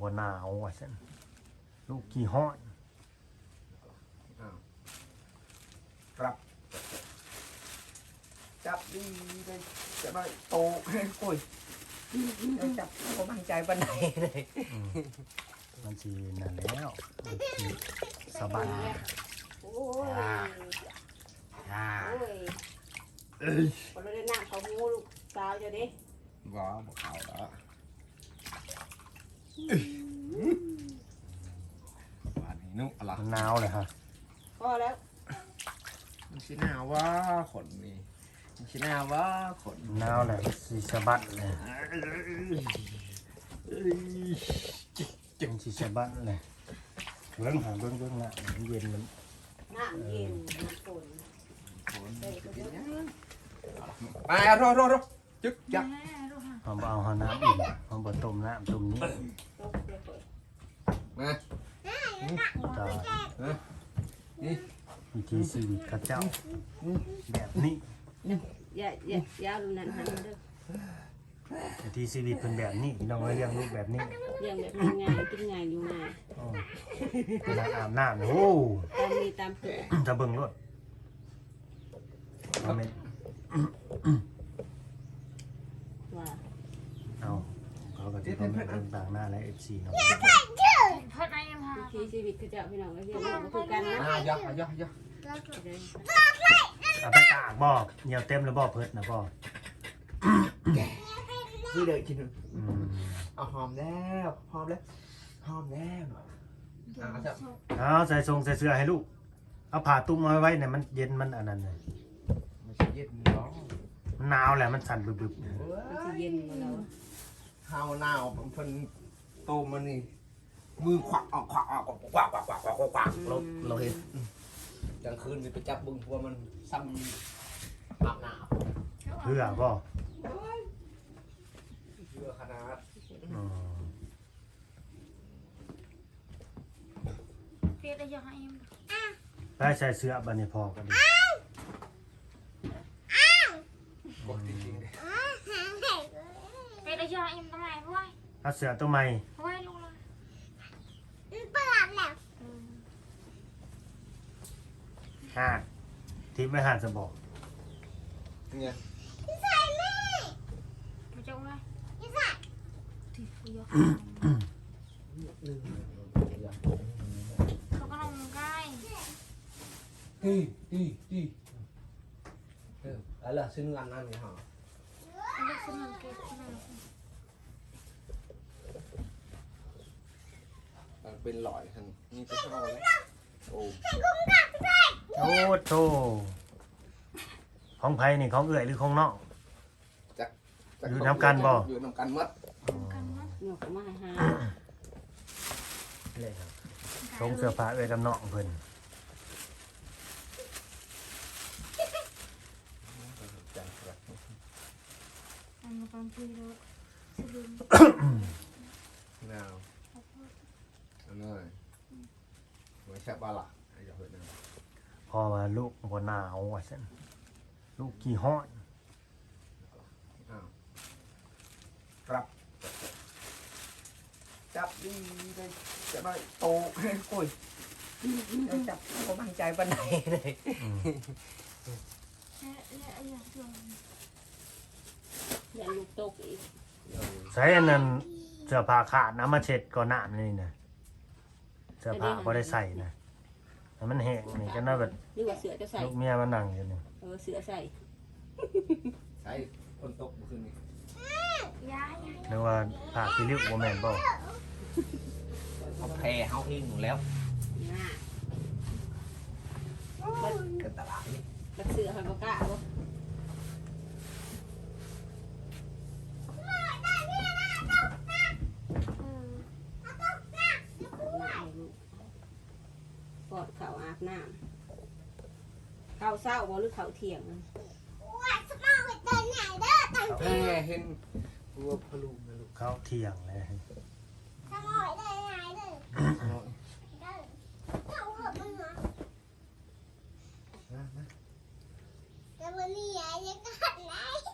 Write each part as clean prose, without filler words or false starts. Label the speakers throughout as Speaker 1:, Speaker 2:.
Speaker 1: บ่หนาวว่าซั่นลูกขี้ฮ้อน
Speaker 2: ครับจับดีเลยจะได้โตคุยจับเขามั่นใจปันไหนเลย
Speaker 1: มันสินั่นแล้วมันสิสบาย
Speaker 3: โอ้ยโอ้ยคนเราได้น้ำเขาหูลูกสาวจะดิ
Speaker 2: ว้าวบอกเขาแล้ววันนี้นุ๊กอะไร
Speaker 1: มันหนาวเลยฮะ
Speaker 3: พอแล้ว
Speaker 2: มันชินาว่าขนนี่มันชินาว่าขน
Speaker 1: หนาวเลยสิสะบัดเลยมันสิสะบัดเลยเบิ่งหาเบิ่งน่ะมันเย็นมัน
Speaker 3: น้ำเย็นน้ำฝน
Speaker 2: ไปรอจึ๊กจัก
Speaker 1: เอาบ่เอาน้ำอิ่มเอาบ่ต้มน้ำต้มนี้
Speaker 2: มา
Speaker 1: ตาย
Speaker 2: นี่
Speaker 1: วิธีชีวิตเขาเจ้าแบบนี้
Speaker 3: ยาวดูนั่นหันมาเด้อ
Speaker 1: วิธีชีวิตเป็นแบบนี้พี่น้องเอ้ยเลี้ยงลูกแบบนี้
Speaker 3: เลี้ยงแบบง่ายกินง่ายอยู่ง่าย
Speaker 1: อ๋อเวลาอาบน้ำเนี่ยโอ้
Speaker 3: ตามมีตามเกิด
Speaker 1: จะเบิ่งรถเอาเม็ด
Speaker 3: ว่า
Speaker 1: เอาเขาก็จะต้องเบิ่งต่างหน้าและ FC เนาะ
Speaker 3: วิถีชีวิตคือเจ้าพี่น้องก็เรียกว่าคือกันนะ
Speaker 2: ย่อ
Speaker 1: เอาไปตากบ่เหนียวเต็มแล้วบ่เพิดนะบ่
Speaker 2: นี่เลยกิน
Speaker 1: อืม
Speaker 2: เอาหอมแล้วจับ
Speaker 1: เอาใส่ทรงใส่เสื้อให้ลูกเอาผ้าตุ้มมาไว้เนี่ยมันเย็นมันอันนั้นเลย
Speaker 2: ไม่ใช่เย็นร้อน
Speaker 1: มันหนาวแหละมันสั่นบึบๆ
Speaker 3: มันจะเย็นกว่าเรา
Speaker 2: ข้าวหนาวเพิ่นโตมันนี่มือขวักเราเห็นกลางคืนมีไปจับบึงเพราะมันซ้ำอาบน้ำ
Speaker 1: เพื่อบ่
Speaker 2: เพื่อขนาด
Speaker 1: อืม
Speaker 4: Biết đây cho hai em.
Speaker 1: ไปใส่เสื้อบัดนี้พอก็ดี
Speaker 2: กดจริงๆเลย
Speaker 4: Biết đây cho hai em tấm này vui.
Speaker 1: เอาเสื้อตัวใหม่
Speaker 4: Vui luôn rồi.
Speaker 1: หาดที่ไม่หาดจะบอก
Speaker 2: เนี่ย
Speaker 4: Mà trông đây. Thì bây giờ. Không có lòng gai.
Speaker 2: ตีอะไรซึ่งงานนั่นนี่ฮะ
Speaker 4: Anh biết xin làm kịp thế nào.
Speaker 2: เป็นหลอยทันนี่ก็เข้าแล้วโอ้
Speaker 1: โอ้โธ่ของไผนี่ของเอื่อยหรือของน้อง อยู่นำกันบ่
Speaker 2: อยู่นำกันมัด
Speaker 4: Cần lắm.
Speaker 3: หนูก็มาหา
Speaker 1: เลยครับทรงเสื้อผ้าเอื่อยกับน้องเพิ่น
Speaker 4: Anh mà còn chưa đâu. Sebelum.
Speaker 2: นาวอันนั้นไม่ใช่ปลาหลักไอ้เจ้าเห็ดนะ
Speaker 1: พอว่าลูกบ่หนาวว่าซั่นลูกขี้ฮ้อน
Speaker 2: ครับจับดีเลยจะได้โตคุยจับเขามั่นใจปันไหนเลย
Speaker 1: อืม
Speaker 4: Dạ thường.
Speaker 3: อย่าลูกตกอีก
Speaker 1: ใช้อันนั้นเสื้อผ้าขาดน้ำมาเช็ดก่อนน้ำนี่นะเสื้อผ้าบ่ได้ใส่นะให้มันแห้งนี่ก็น่าแบบ
Speaker 3: นี่ว่าเสือจะใส่
Speaker 1: ลูกเมียมันนั่งอยู่นี่
Speaker 3: เสือใส่
Speaker 2: ใช้คนตกเมื่อคืนนี้
Speaker 4: Dạ.
Speaker 1: หรือว่าผ้าขี้ริ้วบ่แม่นบ่
Speaker 2: เขาแพ้เขาเองอยู่แล้ว
Speaker 3: หน้า
Speaker 2: กันตลาดนี่
Speaker 3: บัดเสือหอยปลากระบ่กอดเขาอาบน้ำเขาเศร้าบ่หรือเขาเที่ยง
Speaker 2: แพ้เห็นตัวพลูนะลูก
Speaker 1: เขาเที่ยงเลย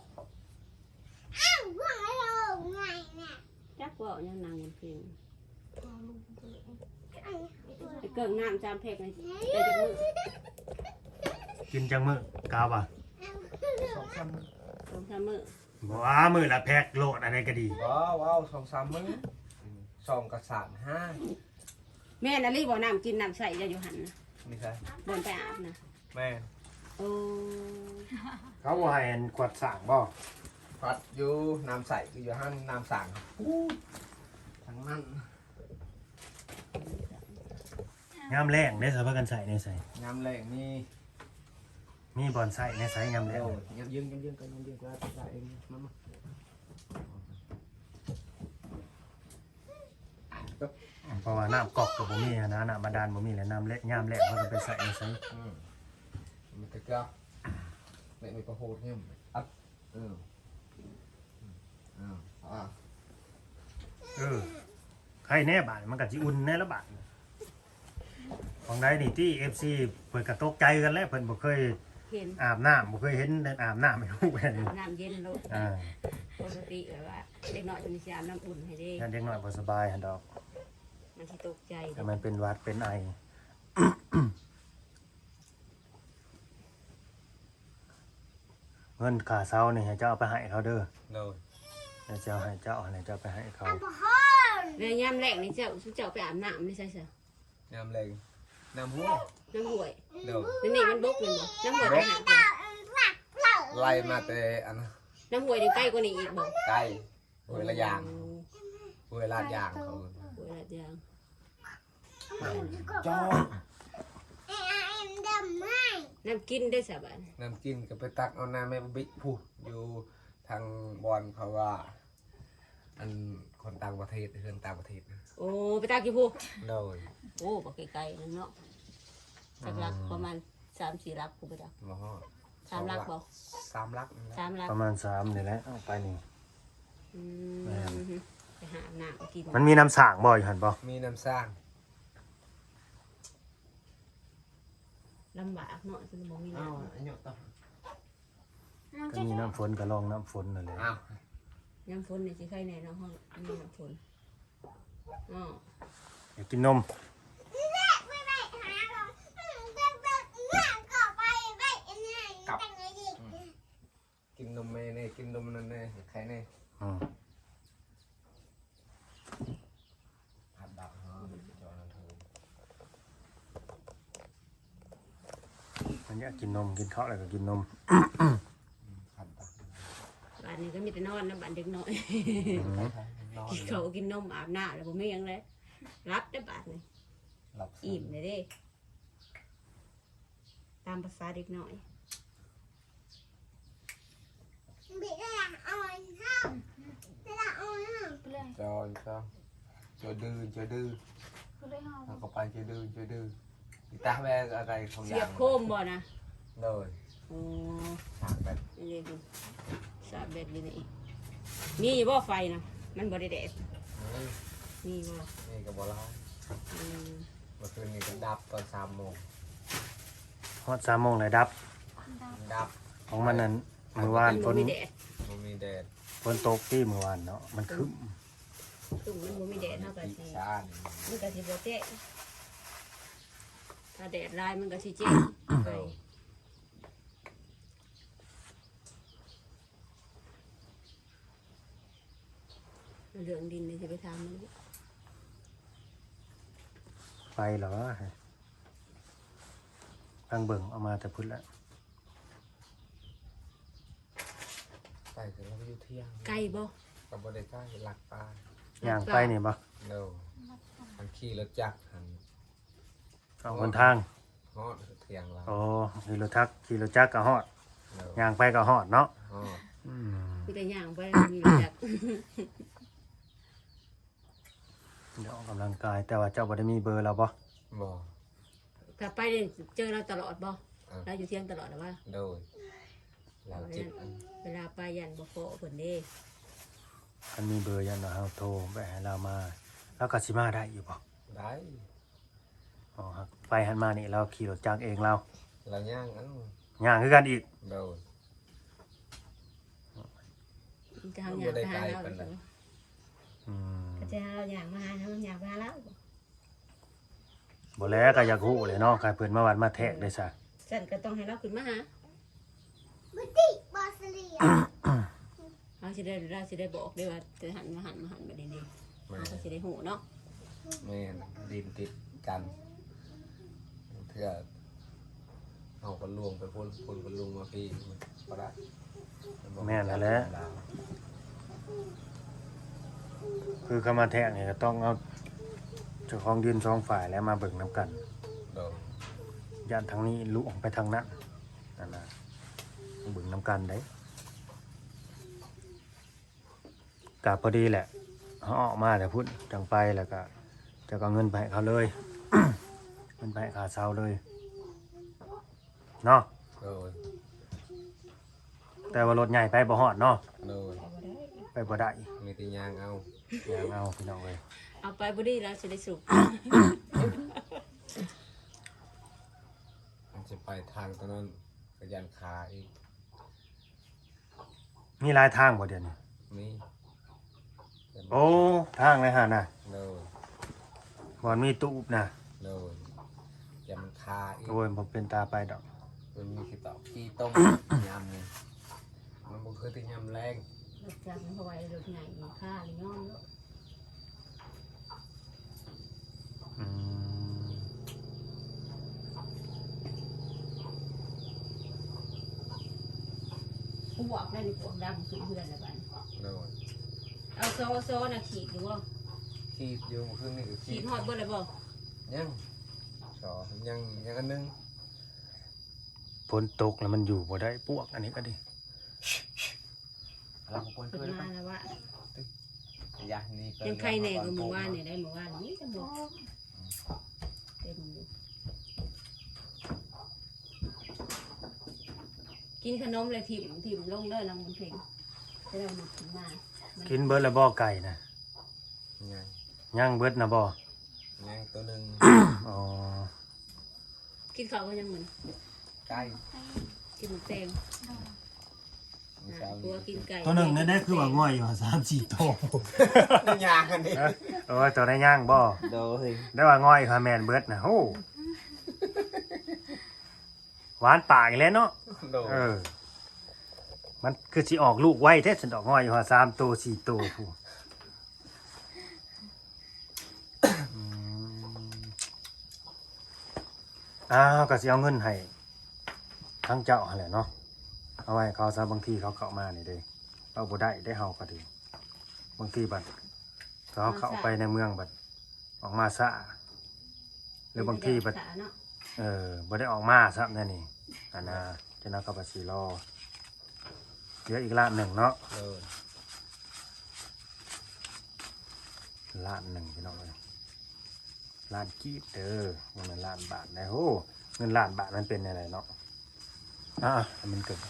Speaker 3: จักว่ายังนางบนเพลงไปเกิงน้ำจามแพกเลยแต่จะมือ
Speaker 1: กินจังมื้อกาวบ่
Speaker 2: สองสาม
Speaker 3: สองสามมือ
Speaker 1: บ่ว่ามื้อละแพ็คโลดอันใดก็ดี
Speaker 2: ว้าวสองสามมื้อสองกับ3 5
Speaker 3: แม่นาลีบ่น้ำกินน้ำใส่จะอยู่หันนะ
Speaker 2: นี่ใช่
Speaker 3: บนไปอาบนะ
Speaker 2: แม่
Speaker 3: โอ้
Speaker 1: เขาบ่ให้อันกวดสร้างบ่
Speaker 2: พัดอยู่น้ำใสคืออยู่ห้างน้ำสั่งทั้งนั้น
Speaker 1: ยามแรงได้สภาพกันใส่ในใส่
Speaker 2: ยำแรงนี่
Speaker 1: มีบอนใส่ในใส่ยามแร
Speaker 2: เร็
Speaker 1: ง
Speaker 2: วยังยืงกันยังยืงก็ได้เองมา
Speaker 1: เพราะว่าน้ำกอกก็บ่มีนะน้ำบาดาลบ่มีแล้วน้ำเละยามแรงเขาก็ไปใส่ในใส่
Speaker 2: มันก็จะไม่มีประโหดเนี่ยอัด
Speaker 1: ใครแน่บาดมันก็สิอุ่นแน่ละบาดของใดนี่ที่ FC เพิ่นก็ตกใจกันแล้วเพิ่นบ่เคย
Speaker 3: เห็น
Speaker 1: อาบน้ำบ่เคยเห็นอาบน้ำให้ลูกแบบนี้
Speaker 3: น้ำเย็นโลด
Speaker 1: อ่า
Speaker 3: ปกติแบบว่าเด็กน้อยจะมีสยามน้ำอุ่นให้เด้
Speaker 1: ยันเด็กน้อยบ่สบายหั่นดอก
Speaker 3: มันสิตกใจ
Speaker 1: แต่มันเป็นหวัดเป็นไอ เงินค่าเช้านี่ให้เจ้าเอาไปให้เขาเด้อ
Speaker 2: เลย
Speaker 1: เดี๋ยวเจ้าให้เจ้าให้เจ้าไปให้เขา
Speaker 3: แล้วยามแรกนี่เจ้าไปอาบน้ำไม่ใช่เสือย
Speaker 2: ำแรงน้ำหัว
Speaker 3: น้ำห่วย
Speaker 2: เดี๋ยว
Speaker 3: นี่มันบกเลยบ่น้ำห่วยไปหาบ่
Speaker 2: ไล่มาแต่อัน
Speaker 3: น้ำห่วยนี่ใกล้กว่านี้อีกบ่
Speaker 2: ใกล้เวลายางเวลายางเขา
Speaker 3: ห่วยละอย่าง
Speaker 2: จอ
Speaker 3: น้ำกินได้สบาย
Speaker 2: น้ำกินก็ไปตักเอาน้ำแม่บิ๊กผู้อยู่ทางบอลเพราะว่า อันคนต่างประเทศเพื่อนต่างประเทศนะ
Speaker 3: โอ้ไปตากี่ผู้
Speaker 2: โดย
Speaker 3: โอ้บ่ไกลๆนั่นเนาะสักลักประมาณ3-4ลักผู้ไปตัก
Speaker 2: มาฮอด
Speaker 3: 3ลักบ่
Speaker 2: 3 ลักนั่นแหละ
Speaker 3: 3ลัก
Speaker 1: ประมาณ3นี่แหละเอาไปนี่
Speaker 3: อืมไปหาน้ำกิน
Speaker 1: มันมีน้ำสร้างบ่อยู่หั่นบ่
Speaker 2: มีน้ำสร้าง
Speaker 3: ลำบากเนาะจนบ่มี
Speaker 2: อ้าว
Speaker 3: น้ำ
Speaker 2: อันนี้ต่อ
Speaker 1: ก็มีน้ำฝนก็ลองน้ำฝนนั่นแหละ
Speaker 2: อ้าว
Speaker 3: น้ำฝนนี่สิใครแน่เนาะห้องมีน้ำฝนอ๋อ
Speaker 1: อยากกินนม
Speaker 2: กินนมแม่เนี่ยกินนมนั่นเนี่ยใครเนี่ย
Speaker 1: อืม
Speaker 2: ผัดดักฮะจอนันเธอ
Speaker 1: มันอยากกินนมกินข้าวอะไรก็กินนม
Speaker 2: ผัดดัก
Speaker 3: บ้านนี้ก็มีแต่นอนนะบ้านเด็กน้อย
Speaker 2: นอน
Speaker 3: กินข้าวกินนมอาบน้ำแล้วบ่มีหยังเลยรับได้บ้านนี่
Speaker 2: หลับ
Speaker 3: อิ่มเลยเด้ตามภาษาเด็กน้อย
Speaker 2: จอจอดื้อจอดื้อ
Speaker 4: ก็เลยหอม
Speaker 2: เอาเข้าไปจอดื้อจอดื้ออีตาแม่อะไรของ
Speaker 3: เสี
Speaker 2: ยาย
Speaker 3: บโคมบ่นะ
Speaker 2: เลย
Speaker 3: โอ้
Speaker 2: ฉากแบบ
Speaker 3: นี่เลยสาบแบบนี้นี่มีอยู่บ่ไฟนะมันบ่ได้แดด
Speaker 2: นี้
Speaker 3: มีบ่
Speaker 2: นี่กับบอลา
Speaker 3: อืม
Speaker 2: เมื่อคืนนี้ก็ดับตอน3 โมง
Speaker 1: ฮอด3 โมงเลยดับ
Speaker 2: ดับ
Speaker 1: ของมันนั้นมื้อวาน
Speaker 3: มัน
Speaker 1: ฝ
Speaker 3: บ่
Speaker 1: น
Speaker 3: มีแดด
Speaker 2: มันมีแดด
Speaker 1: ฝนตกที่มื้อวานเนาะมันครึ้ม
Speaker 3: ตุ่มมันบ่มีแดดเท่ากับ
Speaker 2: ปี
Speaker 3: สิ
Speaker 2: ชาติ
Speaker 3: มันก็สิบ่แจ้งถ้าแดดลายมันก็สิแจ้งไปเรื่องดินนี่สิไปทำมัน
Speaker 1: ไปเหรอทางเบิ่งเอามาแต่พุ่นละ
Speaker 2: ไปถึงเราไปอยู่เที่ยง
Speaker 3: ไก่บ่
Speaker 2: กับบริใกล้หลักปลา
Speaker 1: ย่างไปนี่บ่
Speaker 2: เร็วมันขี่รถจักรหัน
Speaker 1: เอาคนทาง
Speaker 2: ฮอดเที่ยงเรา
Speaker 1: โอ้ขี่รถจักรก็ฮอด
Speaker 2: เร็ว
Speaker 1: ย่างไปก็ฮอดเนาะ
Speaker 2: ฮอด
Speaker 1: อืม
Speaker 3: มีแต่ย่างไปมันมีรู้จัก
Speaker 1: เดี๋ยวออกกำลังกายแต่ว่าเจ้าบ่ได้มีเบอร์เราบ่
Speaker 2: บ่
Speaker 3: กลับไปเนี่ยเจอเราตลอดบ่เราอยู่เที่ยงตลอดหรือว่า
Speaker 2: โดยเราจิต
Speaker 3: เวลาไปยันบ่พอเพิ่นเด้
Speaker 1: มันมีเบอร์ยันว่าเฮาโทรไปให้เรามาแล้วก็สิมาได้อยู่บ่
Speaker 2: ได้
Speaker 1: อ๋อครับไปหันมานี่เราขี่รถจักรเองเรา
Speaker 2: เราย่างอัน
Speaker 1: ย่างคือกันอีก
Speaker 2: โดย
Speaker 3: มันจะทำงานไปหาเรา
Speaker 2: บ่ได้ไกลปานใด
Speaker 3: เ
Speaker 1: อืม
Speaker 3: ก็จะเราอยากมาหาเราอยากมาแล้ว
Speaker 1: บ่แล้วก็อยากฮู้เลยเนาะใครเพิ่นมาวัดมาแทกได้ซะ
Speaker 3: ฉันก็ต้องให้เราขึ้นมาหา
Speaker 4: บุติบอสเลีย
Speaker 3: เราสิได้บอกได้ว่าจะหันมาแบบนี้ๆเราก็สิได้หูเนาะ
Speaker 2: แม่นดินติดกันเพื่อเอาคนลวงไปพ่นคนลวงมาพี่มันก็ได้
Speaker 1: แม่นแล้วแหละคือเข้ามาแทกนี่ก็ต้องเอาเจ้าของดิน2ฝ่ายแล้วมาเบิ่งนํกัน
Speaker 2: โดน
Speaker 1: ย่านทางนี้ลุออกไปทางนั้นนั่นน่ะเบิ่งนํกันได้ก็พอดีแหละเฮาออกมาแต่พุ่นจังไปแล้วก็จะก็เงินไปให้เขาเลย เงินไปให้ค่าเช่าเลยเนาะ
Speaker 2: โดน
Speaker 1: แต่ว่ารถใหญ่ไปบ่ฮอดเนาะ
Speaker 2: โดน
Speaker 1: ไปบ่ได้
Speaker 2: มีแต่ยางเอา
Speaker 1: อยากเอาพี่น้องเอ้ย
Speaker 3: เอาไปบ่ดีเราสิได้สุก
Speaker 2: มันจะไปทางตรงนั้นกระยันขาอีก
Speaker 1: มีหลายทางบ่เดี๋ยวนี้
Speaker 2: นี่
Speaker 1: โอ้ทางเลยหั่นน่ะ
Speaker 2: โดน
Speaker 1: บ่มีตู้บน่ะ
Speaker 2: โดนอย่ามันคาอีก
Speaker 1: โอ้ยบ่เป็นตาไปดอก
Speaker 2: มันมีขี้ตอกขี้ต้ม ยำนี่มันบ่คือที่ยำแรง
Speaker 3: รถจักรมันเพราะว่าไอ้รถใหญ่มีค่าหรือย่อมเนาะ
Speaker 1: อืม
Speaker 3: พวกนั่นนี่พวกดำขึ้นเพื่อนแล้วบัด
Speaker 2: โดน
Speaker 3: เอาโซน่ะขีดอยู่บ่
Speaker 2: ขี้อยู่บ่คือนี่ก็
Speaker 3: ขี
Speaker 2: ขี้
Speaker 3: ดฮอดเบิดแล้วบ่
Speaker 2: ยังสอยังอันนึง
Speaker 1: ฝนตกแล้วมันอยู่บ่ได้ปวกอันนี้ก็ดิ
Speaker 2: เราควร
Speaker 3: ขึ้น
Speaker 2: ช่วย
Speaker 3: มาแล้วว่า
Speaker 2: ยานี่ก็
Speaker 3: ยังใครแน่ก็เมื่อวานนี่ได้เมื่อวานนี้จะหมดเต็มอยู่กินขนมเลยถิ่มลงเด้อลำเพลงจะได้หมดขึ้นมา
Speaker 1: กินเบิดแล้วบ่ไก่น่ะ
Speaker 2: ยัง
Speaker 1: ย่างเบิดน่ะบ่
Speaker 2: ยังตัวหนึง
Speaker 1: อ๋อ
Speaker 3: กินข้าวก็ยังเหมือน
Speaker 2: ไก่
Speaker 3: กินหมูแตง
Speaker 2: มื้อเช้า
Speaker 3: ตัวกินไก่
Speaker 1: ตัวหนึงนั่นได้คือว่าง่อยอยู่3-4ตัว
Speaker 2: นี่ยางกันดิ
Speaker 1: เออตัวได้ย่างบ่
Speaker 2: โดย
Speaker 1: ได้ว่าง่อยค่ะแม่นเบิดน่ะโหหวานปากอีกแล้วเนาะ
Speaker 2: โดย
Speaker 1: เออ มันคือสิออกลูกไว้แท้ฉันดอกง่อยอยู่ว่า3ตัว4ตัวผู้อืมอ้าวก็สิเอาเงินให้ทั้งเจ้าหั่นแหละเนาะเอาไว้เขาซะบางทีเขาเข้ามานี่เด้เอาบ่ได้เฮาก็ดีบางทีบัดเขาเข้าไปในเมืองบัดออกมาซะหรือบางทีบัด
Speaker 3: เนาะ
Speaker 1: บ่ได้ออกมาซับนั่นนี่อันน่ะจะนักกับสีรอเหลืออีกล้านหนึ่งเนาะ
Speaker 2: โดย
Speaker 1: ล้านหนึ่งพี่น้องเลยล้านกีบเด้อมันเป็นล้านบาทนะโหเงินล้านบาทมันเป็นอะไรเนาะให้มันเกิด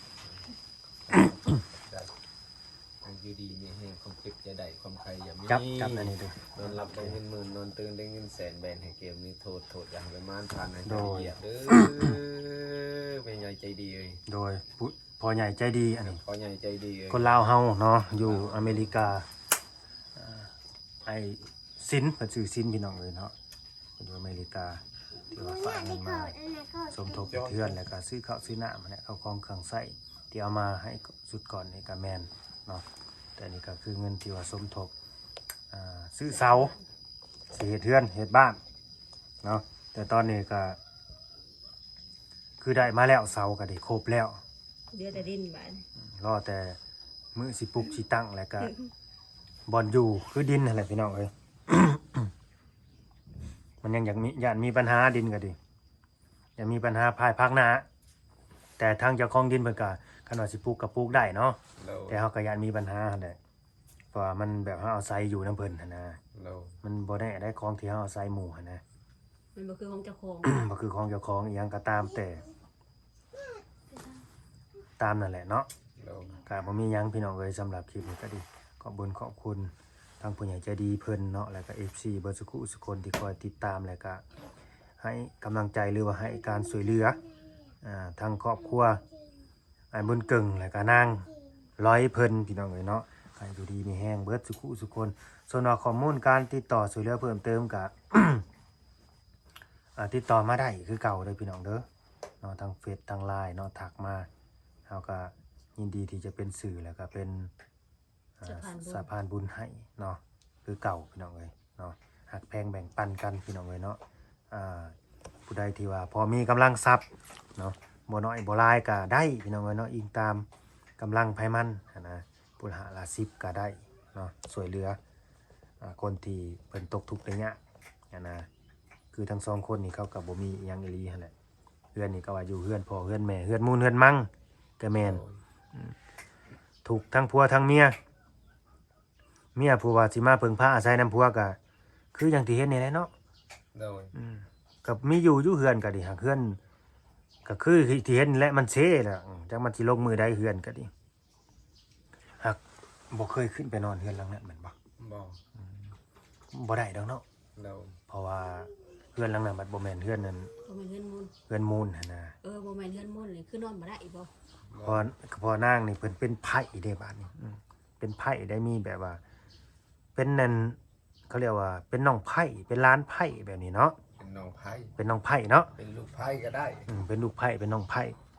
Speaker 2: ได้อันอยู่ดีมีให้ความคิดจะได้ความใครอย่ามี
Speaker 1: จับอันนี้ดู
Speaker 2: นอนหลับได้เงินหมื่นนอนตื่นได้เงินแสนแบนให้เกมนี้โทษอย่างไปม่านผ่านให้ใจเหยียบเด้อเป็นใหญ่ใจดีเลย
Speaker 1: โดยพอใหญ่ใจดีอันนี้
Speaker 2: พอใหญ่ใจดีเลย
Speaker 1: คนลาวเฮาเนาะอยู่อเมริกาไอซินเพิ่นซื้อซินพี่น้องเลยเนาะเพิ่นอยู่อเมริกาที่ว่าฝากเงินมา สมทบเพื่อนแล้วก็ซื้อข้าวซื้อน้ำเนี่ยเอาของเครื่องใส้ที่เอามาให้สุดก่อนนี่ก็แมนเนาะแต่นี่ก็คือเงินที่ว่าสมทบซื้อเสาซื้อเฮ็ดเทือนเฮ็ดบ้านเนาะแต่ตอนนี้ก็คือได้มาแล้วเสาก็ได้ครบแล้ว
Speaker 3: เดือแต่ดินบาน
Speaker 1: รอแต่มือสิปลุกสิตั้งแล้วก็บอลอยู่คือดินนั่นแหละพี่น้องเอ้ย มันยังอยากมีย่านมีปัญหาดินก็ดีอย่ามีปัญหาภายภาคหน้าแต่ทางเจ้าของดินเพิ่นก็คันว่าสิปลูกก็ปลูกได้เนาะ
Speaker 2: โล
Speaker 1: แต่เฮาก็ย่านมีปัญหาหั่นแหละเพราะว่ามันแบบเฮาเอาศัยอยู่นำเพิ่นหั่นนะ
Speaker 2: โล
Speaker 1: มันบ่ได้ของที่เฮาเอาศัยหมู่หั่นนะ
Speaker 3: มันบ่คือของเจ้าของ
Speaker 1: บ่คือของเจ้าของอีหยังก็ตามแต่ตามนั่นแหละเนาะ
Speaker 2: โล
Speaker 1: ก็บ่มีหยังพี่น้องเอ้ยสำหรับคลิปนี้ก็ดีขอบคุญขอบคุณทางผู้ใหญ่ใจดีเพิ่นเนาะแล้วก็ FC เบิดสุขุสุคนที่คอยติดตามแล้วก็ให้กำลังใจหรือว่าให้การช่วยเหลือทางครอบครัวไอ้บุญเก่งแล้วก็นางร้อยเพิ่นพี่น้องเอ้ยเนาะก็ให้อยู่ดีมีแห้งเบิดสุขุสุคนส่วนว่าข้อมูลการติดต่อช่วยเหลือเพิ่มเติมก็ ติดต่อมาได้คือเก่าเด้อพี่น้องเด้อเนาะทางเฟซทาง LINE เนาะทักมาเฮาก็ยินดีที่จะเป็นสื่อแล้วก็เป็นสะพานบุญให้เนาะคือเก่าพี่น้องเอ้ยเนาะหักแพงแบ่งปันกันพี่น้องเอ้ยเนาะผู้ใดที่ว่าพอมีกำลังทรัพย์เนาะบ่น้อยบ่หลายก็ได้พี่น้องเอ้ยเนาะอิงตามกำลังไผมันนะผู้หาละ10ก็ได้เนาะช่วยเหลือคนที่เพิ่นตกทุกข์ได้ยากนะคือทั้งสองคนนี่เขาก็บ่มีอิหยังอีหลีหั่นแหละเฮือนนี่ก็ว่าอยู่เฮือนพ่อเฮือนแม่เฮือนมูลเฮือนมั่งก็แม่นถูกทั้งผัวทั้งเมียผู้ว่าสิมาเพิ่งพาอาศัยน้ำผัวก็คืออย่างที่เห็นนี่แหละเนาะ
Speaker 2: โดย
Speaker 1: กับมีอยู่เฮือนก็ดิหากเฮือนก็คือที่เห็นและมันเซ่แหละจักมันสิลงมือได้เฮือนก็ดิหากบ่เคยขึ้นไปนอนเฮือนหลังนั้นแม่นบ่
Speaker 2: บ่
Speaker 1: บ่ได้ดอกเนาะ
Speaker 2: โดย
Speaker 1: เพราะว่าเฮือนหลังนั้นมันบ่แม่นเฮือนนั้น
Speaker 3: บ่แม่นเฮือนมูล
Speaker 1: เฮือนมูลหั่นน่ะ
Speaker 3: บ่แม่นเฮือนมูลเลยคือนอนบ่ได้บ่
Speaker 1: พอนางนี่เพิ่นเป็นไผ่เด้บาดนี้เป็นไผ่ได้มีแบบว่า เป็นนั่นเขาเรียกว่าเป็นน้องไผ่เป็นล้านไผ่แบบนี้เนาะ
Speaker 2: เป็นน้องไผ่
Speaker 1: เป็นน้องไผ่เนาะ
Speaker 2: เป็นลูกไผ่ก็ได้
Speaker 1: เป็นลูกไผ่เป็นน้องไผ่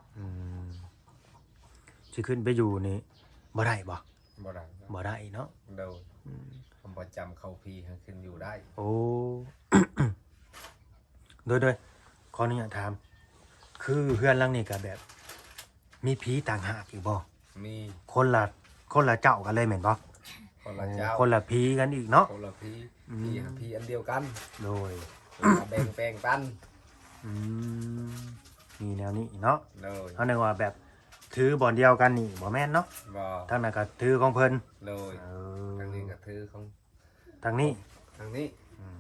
Speaker 1: สิขึ้นไปอยู่นี่บ่ได้บ่
Speaker 2: บ่ได้
Speaker 1: บ่ได้เนาะ
Speaker 2: โดยคำประจำเข้าพีให้ขึ้นอยู่ได้
Speaker 1: โอ้ โดยขออนุญาตถามคือเฮือนหลังนี้ก็แบบ มีผีต่างหากอีกบ่
Speaker 2: มี
Speaker 1: คนละเจ้ากันเลยแม่นบ่
Speaker 2: คนละเจ้า
Speaker 1: คนละผีกันอีกเนาะ
Speaker 2: คนละพีพีอันเดียวกัน
Speaker 1: โดย
Speaker 2: แบ่งแปลงปัน
Speaker 1: มีแนวนี้เนาะ
Speaker 2: โดย
Speaker 1: เขาเรียกว่าแบบถือบ่อนเดียวกันนี่บ่แม่นเนาะ
Speaker 2: บ่
Speaker 1: ทางนั้นก็ถือของเพิ่น
Speaker 2: โดยทางนี้ก็ถือของ
Speaker 1: ทางนี้
Speaker 2: ทางนี้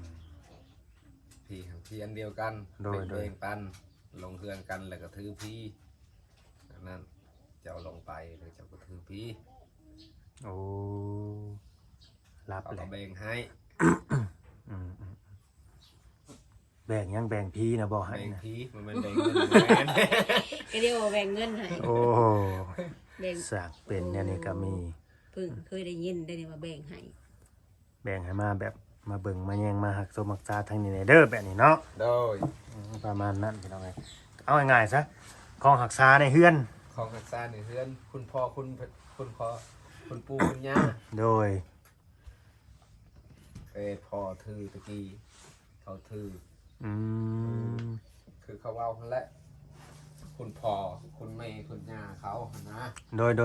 Speaker 2: พีอันเดียวกัน
Speaker 1: โดย
Speaker 2: แบ่งปันลงเฮือนกันแล้วก็ถือพีอันนั้นเจ้าลงไปแล้วเจ้าก็ถือพี
Speaker 1: โอ้รับ
Speaker 2: เขา
Speaker 1: แห
Speaker 2: ก็
Speaker 1: ละ
Speaker 2: แบ่งให้
Speaker 1: แบ่งยังแบ่งพี่นะบ่ให้
Speaker 2: แบ่ง
Speaker 1: นะ
Speaker 2: พีมันเป็นแบ่งเงินแบ่ง
Speaker 3: ก็เรียกว่าแบ่งเงินให้
Speaker 1: โอ้
Speaker 3: แบ่ง
Speaker 1: สากเป็นเนี่ยนี่ก็มี
Speaker 3: เพิ่งเคยได้ยินได้นี่ว่าแบ่งให้
Speaker 1: แบ่งให้มาแบบมาเบิ่งมาแยงมาหักโซมักซาทางนี้เด้อแบบนี้เนาะ
Speaker 2: โดย
Speaker 1: ประมาณนั้นพี่น้องเอ้ยเอาง่ายๆซะของหักษาในเฮือน
Speaker 2: ของหักษาในเฮือนคุณพ่อคุณพ่อคุณปู่คุณย่า
Speaker 1: โดย
Speaker 2: พ่อถือตะกี้เขาถือ
Speaker 1: อืม
Speaker 2: คือเขาเอาหั่นแหละคุณพ่อคุณแม่คุณย่าเขาหั่นนะ
Speaker 1: โดย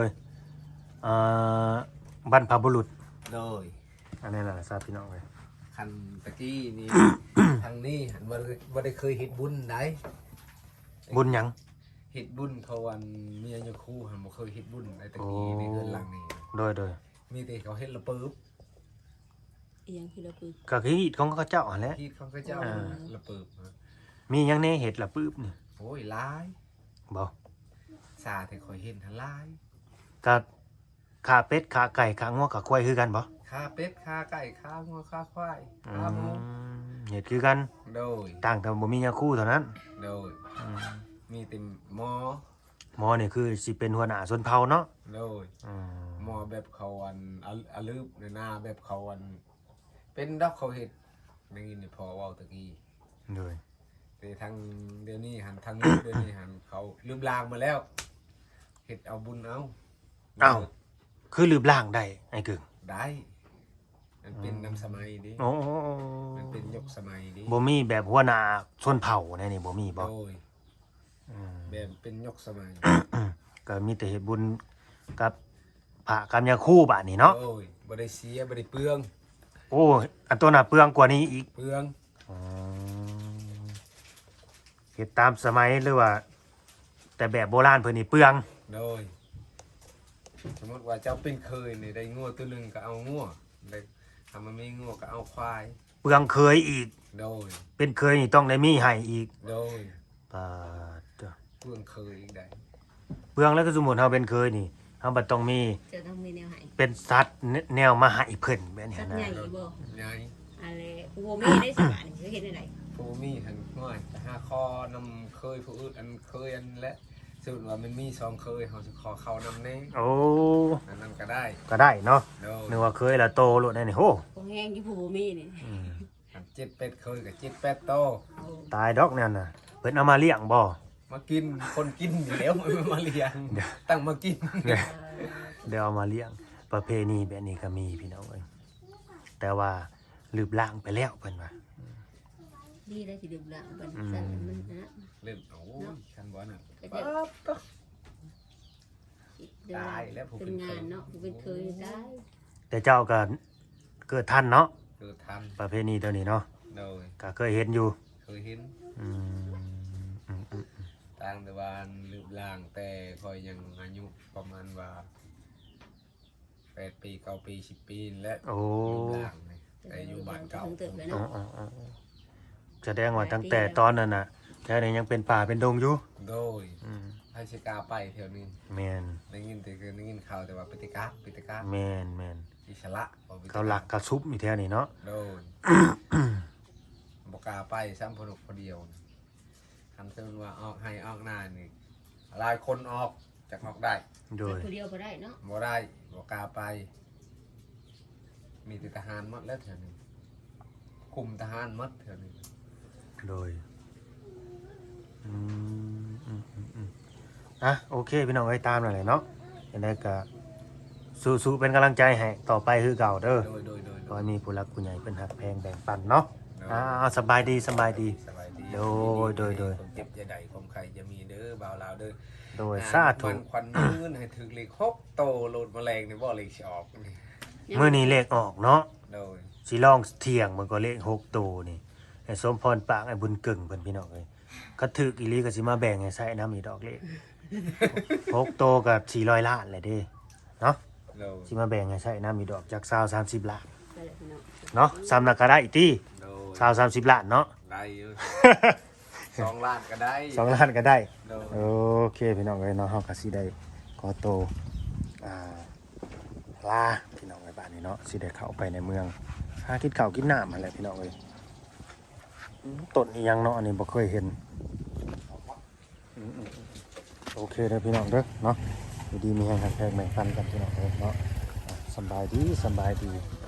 Speaker 1: บรรพบุรุษ
Speaker 2: โดย
Speaker 1: อันนี้แหละทราบพี่น้องเลย
Speaker 2: คันตะกี้นี่ ทางนี้หันบ่ได้เคยเฮ็ดบุญได้
Speaker 1: บุญหยัง
Speaker 2: เฮ็ดบุญเขาวันเมียยาคู่หันบ่เคยเฮ็ดบุญในตะกี้ในเรือนหลังนี้
Speaker 1: โดย
Speaker 2: มีแต่เขาเฮ็ดละปึ๊บ
Speaker 3: อีหยังคือเราคือ
Speaker 1: ก็คืออิฐของเขาเจ้าหั่นแหละ
Speaker 2: ที่เขาก็เจ้าละปึ๊บ
Speaker 1: มีหยังแน่เห็ดละปื๊บนี่
Speaker 2: โอ้ยหลาย
Speaker 1: บ่
Speaker 2: ซาแต่ข่อยเห็นหันหลาย
Speaker 1: ก็ขาเป็ดขาไก่ขางัวขาควายคือกันบ่
Speaker 2: ค่าเป็ดค่าไก่ค่างัวค่าควายค่าหมู
Speaker 1: เห็ดคือกัน
Speaker 2: โดย
Speaker 1: ต่างแต่บ่มียาคู่เท่านั้น
Speaker 2: โดยมีแต่หมอ
Speaker 1: หมอนี่คือสิเป็นหัวหน้าชนเผ่าเนาะ
Speaker 2: โดยหมอแบบเขาอันอะลืบในหน้าแบบเขาอันเป็นดอกเขาเห็ดได้ยินพอเว้าตะกี้
Speaker 1: โดย
Speaker 2: แต่ทางเดี๋ยวนี้หันทางนี้เดี๋ยวนี้หันเขาลืมลางมาแล้วเห็ดเอาบุญเอา
Speaker 1: อ้าวคือลืบล่างได้ไอ้กึ่ง
Speaker 2: ได้มันเป็นน้ำสมัยดิ
Speaker 1: โอ้
Speaker 2: มันเป็นยกสมัยดิ
Speaker 1: บ่มีแบบหัวหน้าชนเผ่าแน่นี่บ่มีบ่
Speaker 2: โดยแบบเป็นยกสมัย
Speaker 1: ก็มีแต่เฮ็ดบุญกับพระกับยาคู่บาดนี้เนาะ
Speaker 2: โอ้ยบ่ได้เสียบ่ได้เปลือง
Speaker 1: โอ้อันตัวน่ะเปลืองกว่านี้อีก
Speaker 2: เปลือง
Speaker 1: เฮ็ดตามสมัยหรือว่า แต่แบบโบราณเพิ่นนี่เปลือง
Speaker 2: โดยสมมติว่าเจ้าเป็นเคยนี่ได้งัวตัวหนึงก็เอางัวได้ถ้ามันมีงัวก็เอาควาย
Speaker 1: เปลืองเคยอีก
Speaker 2: โดย
Speaker 1: เป็นเคยนี่ต้องได้มีให้อีก
Speaker 2: โดย
Speaker 1: ปาดเด้อ
Speaker 2: เปลืองเคยอีกได้
Speaker 1: เปลืองแล้วก็สมมุติเฮาเป็นเคยนี่เฮาบ่ต้องมี
Speaker 3: จะต้องมีแนวให้
Speaker 1: เป็นสัตว์แนวมาให้เพิ่นแบบนี้
Speaker 3: สัตว์
Speaker 1: นะ
Speaker 3: ใหญ่บ่
Speaker 2: ใหญ่
Speaker 3: อะไรกูบ่มีได้สิบาทนี่สิเฮ็ดได้ได
Speaker 2: ผู้มีหันง่อยแต่หาคอนำเคยผู้อื่นอันเคยอันและสุดว่ามันมีสองเคยเขาจะขอเข้านำแน่
Speaker 1: โอ้
Speaker 2: อันนั้นก็ได้
Speaker 1: ก็ได้เนาะ
Speaker 2: โดย
Speaker 1: นึกว่าเคยละโตโลดได้นี่โห
Speaker 3: คงแห้งที่ผู้บ่มีนี่
Speaker 1: อืม
Speaker 2: อัน7เป็ดเคยกับ7เป็ดโต
Speaker 3: เอา
Speaker 1: ตายดอกนั่นน่ะเพิ่นเอามาเลี้ยงบ่
Speaker 2: มากินคนกินอยู่แล้วมันมาเลี้ยงตั้งมากิน
Speaker 1: เดี๋ยวเอามาเลี้ยงประเพณีแบบนี้ก็มีพี่น้องเอ้ยแต่ว่าลืบล้างไปแล้วเพิ่นว่า
Speaker 3: ดีได้สิดื่มละบัดสั่นมันนะ
Speaker 2: เล่นโอ้ยคันบ่น่ะ
Speaker 3: ก็
Speaker 2: ปั๊
Speaker 3: จะ
Speaker 2: บก็
Speaker 3: เดิน
Speaker 2: ตายแล้วผู้
Speaker 3: เป็
Speaker 2: เป็น น
Speaker 3: งานเนาะผู้เป็นเคยได้
Speaker 1: แต่เจ้าก็เกิดทันเนาะ
Speaker 2: คือทัน
Speaker 1: ประเพณีตัวนี้เนาะ
Speaker 2: โดย
Speaker 1: ก็เคยเห็นอยู่
Speaker 2: เคยเห็น
Speaker 1: อืมอืมอืม
Speaker 2: ต่างแต่ว่าลืมล่างแต่คอยยังอายุประมาณว่า8 ปี 9 ปี 10 ปีและ
Speaker 1: โอ้
Speaker 2: ลืมล่างนี่แต่อยู่บ้านเก่า
Speaker 3: ถึงเติบเลย
Speaker 1: อ๋อ
Speaker 3: เนาะ
Speaker 1: อ๋ออ๋อแสดงว่าตั้งแต่ตอนนั้นน่ะแถวนี้ยังเป็นป่าเป็นดงอยู่
Speaker 2: โดย
Speaker 1: อืม
Speaker 2: ให้ชิกาไปเที่ยวนี้
Speaker 1: แมน
Speaker 2: ได้ยินแต่คือได้ยินข่าวแต่ว่าปิติกา
Speaker 1: แมนแมน
Speaker 2: อิสระบ่ปิติ
Speaker 1: เขาหลักกระซุบมีแถวนี้เนาะ
Speaker 2: โดน บกล้าไปซ้ำพนุกพอเดียวคันเตือนว่าออกให้ออกหน้านี่หลายคนออกจากออกได้
Speaker 1: โดย
Speaker 3: ผู้เดียวบ่ได้เนาะ
Speaker 2: บ่ได้บกล้าไป มีแต่ทหารหมดแล้วเถอะนี่คุมทหารหมดเถอะนี่
Speaker 1: โดยอืมอืมอืมอืมอ่ะโอเคพี่น้องเอ้ยตามหน่อยเลยเนาะยังไงก็สู้ๆเป็นกำลังใจให้ต่อไปคือเก่าเด้อ
Speaker 2: โดย
Speaker 1: ขอให้มีผู้รักผู้ใหญ่เป็นหักแพงแบ่งปันเนาะสบายดีสบายดี
Speaker 2: สบายดี
Speaker 1: โดย
Speaker 2: ความเจ็บจะใดความใครจะมีเด้อบ่าวลาวเด้อ
Speaker 1: โดยสาธุ
Speaker 2: มันควันยืนให้ถึงเลข6โตโลดแมลงนี่บ่เลขสิออกนี่
Speaker 1: เมื่อนี้เลขออกเนาะ
Speaker 2: โดย
Speaker 1: สิลองเที่ยงมันก็เลข6ตัวนี่ไอ้สมพรปากไอ้บุญเก่งเพิ่นพี่น้องเอ้ยก็ถึกอีหลีก็สิมาแบ่งให้ใส่น้ำอีดอกเลข6ตัวก็400ล้านแหละเด้เนาะ
Speaker 2: โดย
Speaker 1: สิมาแบ่งให้ใส่น้ำอีดอกจาก20-30ล้าน
Speaker 3: ไปเลยพี่น้อง
Speaker 1: เนาะซ้ำนักก็ได้อีกติ
Speaker 2: โดย
Speaker 1: 20-30ล้านเนาะ
Speaker 2: ได้อยู่ 2 ล้านก็ได้
Speaker 1: 2 ล้านก็ได้
Speaker 2: โดย
Speaker 1: โอเคพี่น้องเอ้ยเนาะเฮาก็สิได้ขอโตวลาพี่น้องไว้บ้านนี้เนาะสิได้เข้าไปในเมืองหากินข้าวกินน้ำนั่นแหละพี่น้องเอ้ยต้นอีหยังเนาะอันนี้บ่เคยเห็นโอเคเด้อพี่น้องเด้อเนาะอยู่ดีมีแรงหักแพงแบ่งปันกันพี่น้องเอ้ยเนาะสำบายดี